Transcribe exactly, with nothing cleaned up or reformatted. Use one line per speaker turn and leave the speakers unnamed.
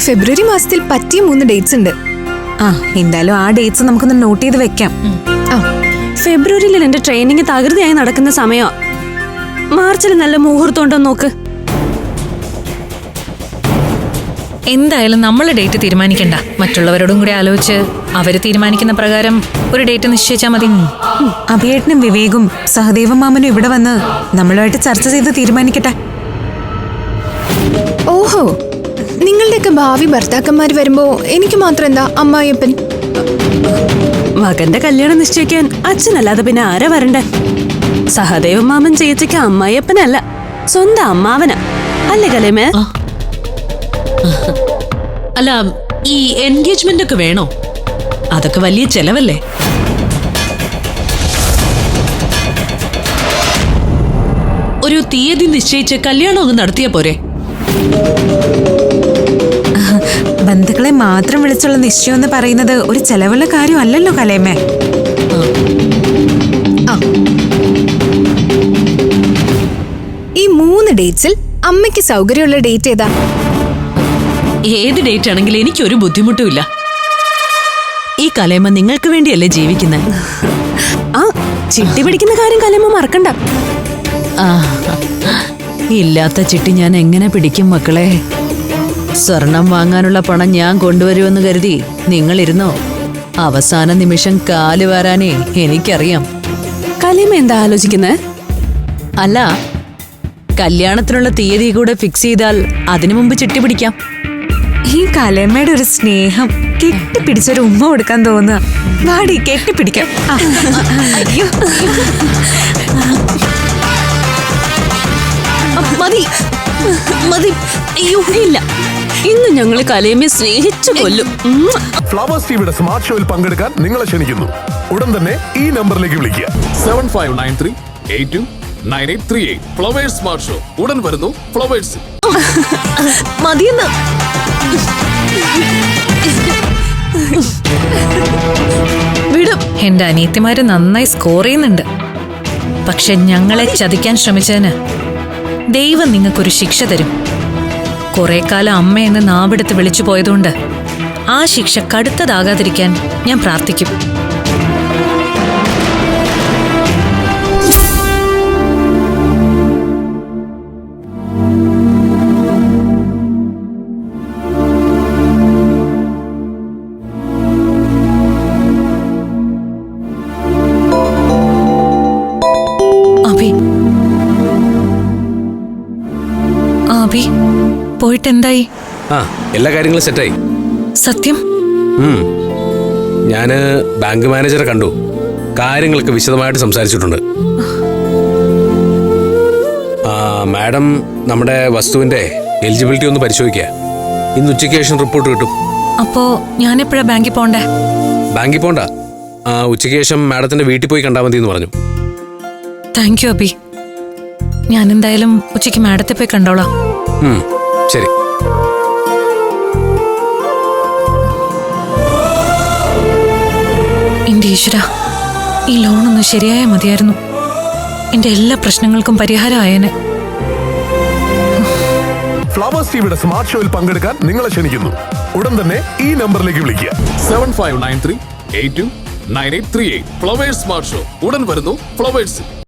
ഫെബ്രുവരി മാസത്തിൽ പറ്റിയ മൂന്ന് ഡേറ്റ്സ് ഉണ്ട്.
ആ എന്തായാലും ആ ഡേറ്റ്സ് നമുക്കൊന്ന് നോട്ട് ചെയ്ത് വെക്കാം.
ആ
ഫെബ്രുവരിയിൽ എന്റെ ട്രെയിനിങ് തകൃതിയായി നടക്കുന്ന സമയമാ. മാർച്ചിൽ നല്ല മുഹൂർത്തം ഉണ്ടോ നോക്ക്.
എന്തായാലും നമ്മളെ ഡേറ്റ് തീരുമാനിക്കണ്ട, മറ്റുള്ളവരോടും കൂടി ആലോചിച്ച് അവര് തീരുമാനിക്കുന്ന പ്രകാരം ഒരു ഡേറ്റ് നിശ്ചയിച്ചാൽ മതി.
അഭിയേട്ടനും വിവേകും സഹദേവ മാമനും ഇവിടെ വന്ന് നമ്മളുമായിട്ട് ചർച്ച ചെയ്ത് തീരുമാനിക്കട്ടെ.
ഓഹോ, നിങ്ങളുടെയൊക്കെ ഭാവി ഭർത്താക്കന്മാർ വരുമ്പോ എനിക്ക് മാത്രം എന്താ അമ്മായിയപ്പൻ?
മകന്റെ കല്യാണം നിശ്ചയിക്കാൻ അച്ഛനല്ലാതെ പിന്നെ ആരാ വരണ്ടേ? സഹദേവ മാമൻ ചേച്ചിക്ക് അമ്മായിയപ്പനല്ല, സ്വന്തം അമ്മാവനാ അല്ലേ കലേമേ?
അല്ല, ഈ എൻഗേജ്മെന്റ് ഒക്കെ വേണോ? അതൊക്കെ വലിയ ചെലവല്ലേ? ഒരു തീയതി നിശ്ചയിച്ച് കല്യാണം ഒന്ന് നടത്തിയാ പോരെ?
ബന്ധുക്കളെ മാത്രം വിളിച്ചുള്ള നിശ്ചയം എന്ന് പറയുന്നത് ഒരു ചെലവുള്ള കാര്യമല്ലല്ലോ കലേമേ.
ഈ മൂന്ന് ഡേറ്റ്സിൽ അമ്മയ്ക്ക് സൗകര്യമുള്ള ഡേറ്റ് ഏതാ?
ഏത് ഡേറ്റ് ആണെങ്കിലും എനിക്കൊരു ബുദ്ധിമുട്ടുമില്ല. ഈ കലേമ നിങ്ങൾക്ക് വേണ്ടിയല്ലേ ജീവിക്കുന്നത്?
ആ ചിട്ടി പിടിക്കുന്ന കാര്യം കലേമ മറക്കണ്ട.
ആ, ഇല്ലാത്ത ചിട്ടി ഞാൻ എങ്ങനെ പിടിക്കും മക്കളെ? സ്വർണം വാങ്ങാനുള്ള പണം ഞാൻ കൊണ്ടുവരുമെന്ന് കരുതി നിങ്ങളിരുന്നോ? അവസാന നിമിഷം കാല് വാരാനേ എനിക്കറിയാം.
കലേമ എന്താ ആലോചിക്കുന്നേ?
അല്ല, കല്യാണത്തിനുള്ള തീയതി കൂടെ ഫിക്സ് ചെയ്താൽ അതിനു മുമ്പ് ചിട്ടി പിടിക്കാം.
ഈ കലേമയുടെ ഒരു സ്നേഹം, കെട്ടിപ്പിടിച്ചൊരു ഉമ്മ കൊടുക്കാൻ തോന്നുക. വാടി കെട്ടിപ്പിടിക്കാം.
അയ്യോ, മതി മതി. അയ്യോ ഇല്ല,
ഇന്ന് ഞങ്ങൾ കലേമയെ സ്നേഹിച്ചു കൊല്ലും.
ഫ്ലവേഴ്സ് ടിവിയുടെ സ്മാർട്ട് ഷോയിൽ പങ്കെടുക്കാൻ നിങ്ങളെ ക്ഷണിക്കുന്നു. ഉടൻ തന്നെ ഈ നമ്പറിലേക്ക് വിളിക്കുക.
Seven five nine three eight two nine eight three eight. Flowers Smart Show ഉടൻ വരുന്നു ഫ്ലവേഴ്സ്.
മതിയെന്ന്.
വിടും. എന്റെ അനിയത്തിമാര് നന്നായി സ്കോർ ചെയ്യുന്നുണ്ട്. പക്ഷെ ഞങ്ങളെ ചതിക്കാൻ ശ്രമിച്ചതിന് ദൈവം നിങ്ങൾക്കൊരു ശിക്ഷ തരും. കുറെ കാലം അമ്മയെന്ന് നാവെടുത്ത് വിളിച്ചു പോയതുകൊണ്ട് ആ ശിക്ഷ കടുത്തതാകാതിരിക്കാൻ ഞാൻ പ്രാർത്ഥിക്കും. അഭി അഭി പോയിട്ട് എന്തായി?
ആ, എല്ലാ കാര്യങ്ങളും സെറ്റായി.
സത്യം?
ഞാന് ബാങ്ക് മാനേജറെ കണ്ടു. കാര്യങ്ങളൊക്കെ വിശദമായിട്ട് സംസാരിച്ചിട്ടുണ്ട്. ആ മാഡം നമ്മുടെ വസ്തുവിന്റെ എലിജിബിലിറ്റി ഒന്ന് പരിശോധിക്കുക. ഇന്ന് ഉച്ചയ്ക്ക് ശേഷം റിപ്പോർട്ട് കിട്ടും.
അപ്പോ ഞാനെപ്പോഴാ ബാങ്കിൽ പോണ്ടേ?
ബാങ്കിൽ പോണ്ട, ആ ഉച്ചയ്ക്ക് ശേഷം മാഡത്തിന്റെ വീട്ടിൽ പോയി കണ്ടാൽ മതി എന്ന് പറഞ്ഞു.
Thank you Abi. ഞാൻ എന്തായാലും ഉച്ചയ്ക്ക് മാഡത്തെ പോയി കണ്ടോളാം.
ശരി.
എന്റെ ഈശ്വര, ഈ ലോണൊന്ന് ശരിയായ മതിയായിരുന്നു. എന്റെ എല്ലാ പ്രശ്നങ്ങൾക്കും പരിഹാരം ആയേനെ.
ഫ്ലവേഴ്സ് ടിവിയുടെ സ്മാർട്ട് ഷോയിൽ പങ്കെടുക്കാൻ നിങ്ങളെ ക്ഷണിക്കുന്നു. ഉടൻ തന്നെ ഈ നമ്പറിലേക്ക് വിളിക്കുക.
Seven five nine three eight two nine eight three eight. Flowers Smart Show ഉടൻ വരുന്നു ഫ്ലവേഴ്സ്.